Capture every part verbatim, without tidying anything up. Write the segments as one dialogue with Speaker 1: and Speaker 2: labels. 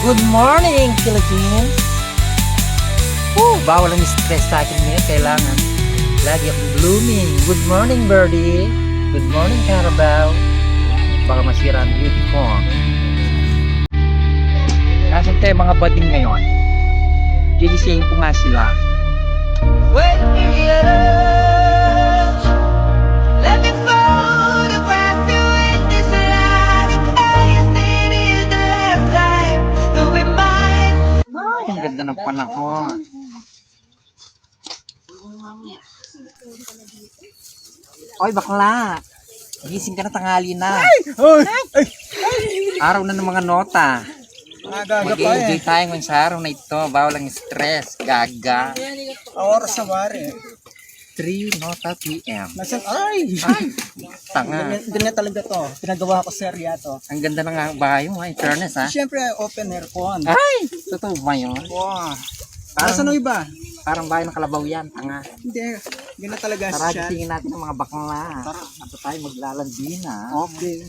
Speaker 1: Good morning, Philippines! Woo, bawal ang stress sa akin ngayon. Kailangan lagi akong blooming. Good morning, birdie. Good morning, Carabao. Baka masira ang beauty ko. Kasi tayo mga bading ngayon. Gigisingin ko nga sila.
Speaker 2: When you get up, let me photograph you in this light. I think it's the last time that we might.
Speaker 1: Ay, ang ganda ng panahon. Oy, bakla. Gising ka na, tanghali na. Araw na ng mga nota. Mag-enjoy tayo ngayon sa araw na ito. Bawal ang stress. Gaga.
Speaker 3: Oras sa wari.
Speaker 1: three nota P M.
Speaker 3: Nasaan? Ay!
Speaker 1: Tanga.
Speaker 3: Ganyan talaga to. Pinagawa ko serya to.
Speaker 1: Ang ganda ng bahay mo, ha? In fairness, ha?
Speaker 3: Siyempre, open aircon.
Speaker 1: Ay! Totoo ba yun?
Speaker 3: Wow.
Speaker 1: Parang-
Speaker 3: Nasaan ang iba?
Speaker 1: Parang bahay ng kalabaw yan, tanga.
Speaker 3: Hindi. Ganyan talaga
Speaker 1: Tara,
Speaker 3: siya.
Speaker 1: gisingin natin ang mga bakla. Tara, ato tayo maglalandi na.
Speaker 3: Okay.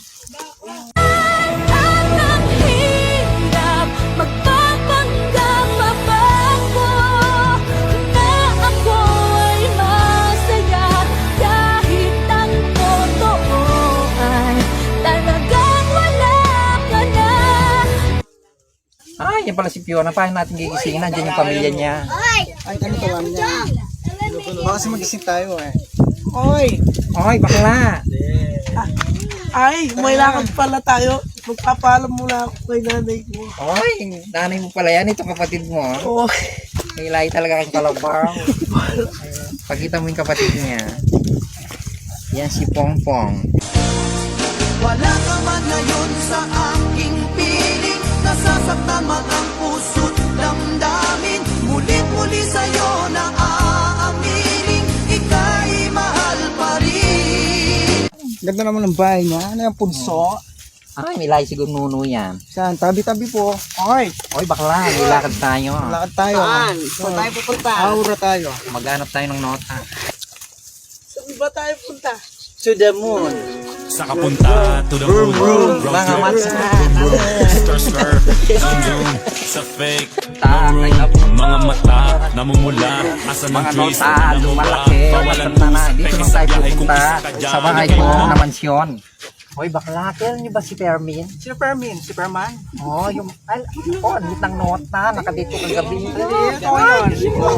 Speaker 2: Ang hirap magpapanggap pa ba ako na ako ay masaya kahit ang totoo ay talagang wala ka na.
Speaker 1: Ay, yan pala si Fiona. Paano natin gigisingin? Nandiyan yung pamilya niya.
Speaker 3: Ay, ano tawagan niya? Baka kasi magising tayo eh. Oy!
Speaker 1: Ay, bakla.
Speaker 4: Ay, may lakad pala tayo. Magpapaalam muna ako kay nanay ko.
Speaker 1: Ay, nanay mo pala yan. Ito kapatid mo.
Speaker 4: Oh,
Speaker 1: May lahi talaga kang kalabaw. Pagkita mo yung kapatid niya. Yan si Pongpong.
Speaker 2: Wala ka man ngayon sa aking piling, nasasaktan man ang puso't damdamin. Mulit-muli sa'yo na aaminin, ika'y mahal pa rin.
Speaker 3: Ganda naman ng bahay niya. Ano yung punso?
Speaker 1: Ay, may lahi siguro nuno yan.
Speaker 3: Saan? Tabi-tabi po. Oy!
Speaker 1: Oy, bakla. May lakad tayo.
Speaker 3: Lakad tayo.
Speaker 4: saan? Saan tayo pupunta?
Speaker 3: Aura tayo.
Speaker 1: Maghanap tayo ng nota.
Speaker 4: Saan ba tayo punta?
Speaker 3: To the moon.
Speaker 5: Sa kapunta to the moon, road
Speaker 1: Mga
Speaker 5: trip,
Speaker 1: matsa.
Speaker 5: stir stir, zoom zoom, sa fake,
Speaker 1: Takay na po.
Speaker 5: mga mata, namumula, asa ng
Speaker 1: Mga
Speaker 5: twist,
Speaker 1: nota,
Speaker 5: namumula,
Speaker 1: lumalaki.
Speaker 5: bawalan
Speaker 1: Basta na.
Speaker 5: puso,
Speaker 1: Dito
Speaker 5: peke
Speaker 1: lang
Speaker 5: sa
Speaker 1: tayo
Speaker 5: biyahe, kung
Speaker 1: pupunta.
Speaker 5: isa ka dyan,
Speaker 1: Sa bahay
Speaker 5: ikaw
Speaker 1: ko
Speaker 5: na.
Speaker 1: na mansyon. Oy, bakla. Kailan niyo ba si Permin?
Speaker 3: Sino Permin? Si Perman?
Speaker 1: Oh, yung... Ay, oh, ang lit ng nota. Nakadito kagabi.
Speaker 3: Ito yun. Ito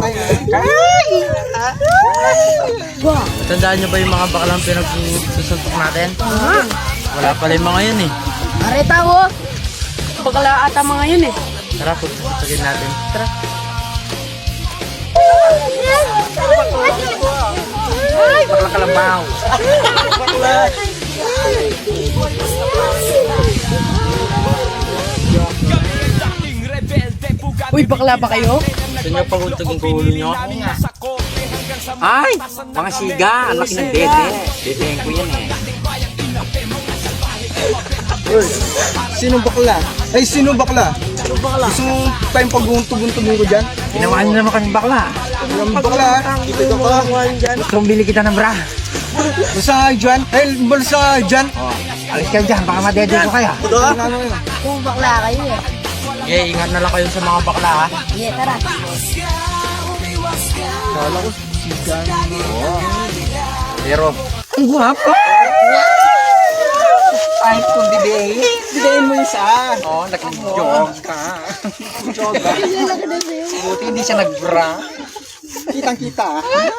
Speaker 3: tayo.
Speaker 6: Tandaan nyo ba yung mga baklang pinagsusuntok natin? Wala pala yung mga yun eh.
Speaker 4: Areta ko! Bakala ata mga yun eh.
Speaker 6: Tara, putusugin natin. Tara.
Speaker 1: Ay, bakla kalabaw.
Speaker 4: Uy, bakla ba kayo?
Speaker 6: Gusto nyo pagutugin ko ulo nyo?
Speaker 1: Ay, mga siga. Ang laki ng dede. Dedeng ko yan eh.
Speaker 3: Uy, sino bakla? Ay, sino bakla? Sino bakla? Gusto mong tayong pag-untog-untogin ko dyan?
Speaker 1: Ginawa niyo naman kaming bakla.
Speaker 3: Yung bakla, dito ka pa.
Speaker 1: Gusto kong bili kita ng bra.
Speaker 3: Basta dyan? Ay, balsa dyan?
Speaker 1: Oh, alis kayo dyan. Baka madede ko kayo.
Speaker 3: Ano yun?
Speaker 4: Kung bakla kayo eh.
Speaker 6: Okay, ingat na lang kayo sa mga bakla ha.
Speaker 4: Yeah, tara.
Speaker 3: Kala ko, sigan.
Speaker 1: Pero, ang guwapo. Ay, kung didehin.
Speaker 3: Sigayin mo yung isa.
Speaker 1: Oh, nag-jog ka. Jog ka. Buti hindi siya nag-bra.
Speaker 3: Kitang-kita.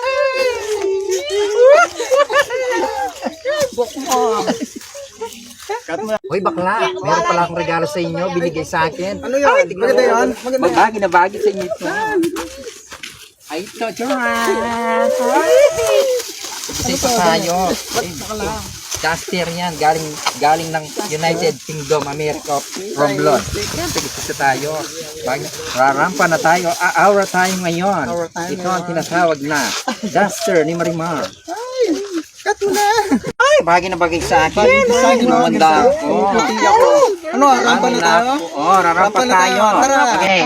Speaker 1: Hoy, bakla. Meron pala akong regalo sa inyo. Binigay sa akin.
Speaker 3: Ano yun? Maganda yun? Maganda yun?
Speaker 1: Bagay na bagay sa inyo ito. Ay, ito. Charan! Isa ito tayo. Caster yan. Galing galing ng United Kingdom, America. From Lord. Siyempre, isa tayo. Bagay, rarampa na tayo. A- Aura tayo ngayon.
Speaker 3: Aura tayo
Speaker 1: Ito ang tinatawag na Duster ni Marimar.
Speaker 3: Cut mo na.
Speaker 1: Ay, bagay na bagay sa akin.
Speaker 3: Sa akin,
Speaker 1: Gumanda
Speaker 3: bagay
Speaker 1: ako.
Speaker 3: Puti ako. Ano, rampa na tayo?
Speaker 1: Oo, rarampa
Speaker 3: Rampa na tayo.
Speaker 1: tayo.
Speaker 3: Tara.
Speaker 1: Okay.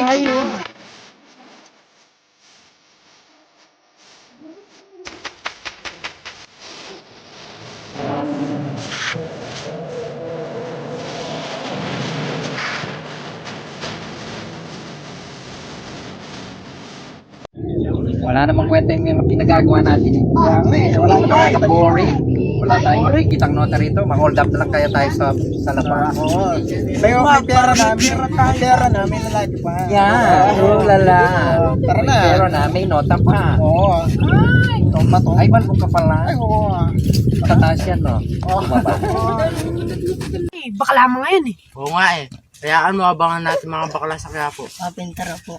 Speaker 1: Wala namang kwenta yung mga pinagagawa natin. eh. Wala namang boring. Wala tayong kitang nota rito. Ma-hold up na lang kaya tayo sa sa labas.
Speaker 3: Oo. May may pera na, may may pera na, may lalaki pa.
Speaker 1: Yan, oh lala.
Speaker 3: Tara na.
Speaker 1: Pero na, may nota pa.
Speaker 3: Oo. Toma to.
Speaker 1: Ay, balbo ka pala.
Speaker 3: Ay, oo.
Speaker 1: Pataas yan, no? Bumaba.
Speaker 4: Eh, bakla mga yan eh.
Speaker 6: Oo nga eh. Kayaan mo abangan natin mga bakla sa Quiapo.
Speaker 4: Papintara po.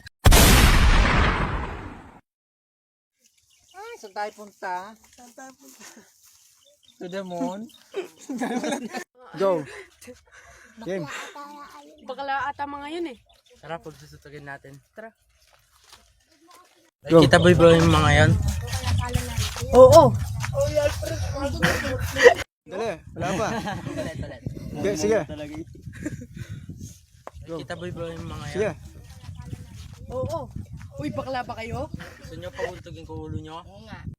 Speaker 1: Ay, saan tayo punta? To the moon?
Speaker 3: Go. Game.
Speaker 4: Bakla ata mga yan eh.
Speaker 6: Tara, pagsusutugin natin. Tara.
Speaker 3: Go.
Speaker 6: Kita boy ba yung mga yan?
Speaker 4: Oo.
Speaker 3: Dali, wala pa. Okay, sige.
Speaker 6: Kita boy ba yung mga yan?
Speaker 3: Sige.
Speaker 4: Oo. Uy, bakla ba kayo?
Speaker 6: Gusto nyo paguntugin ko ulo nyo?
Speaker 4: Oo nga.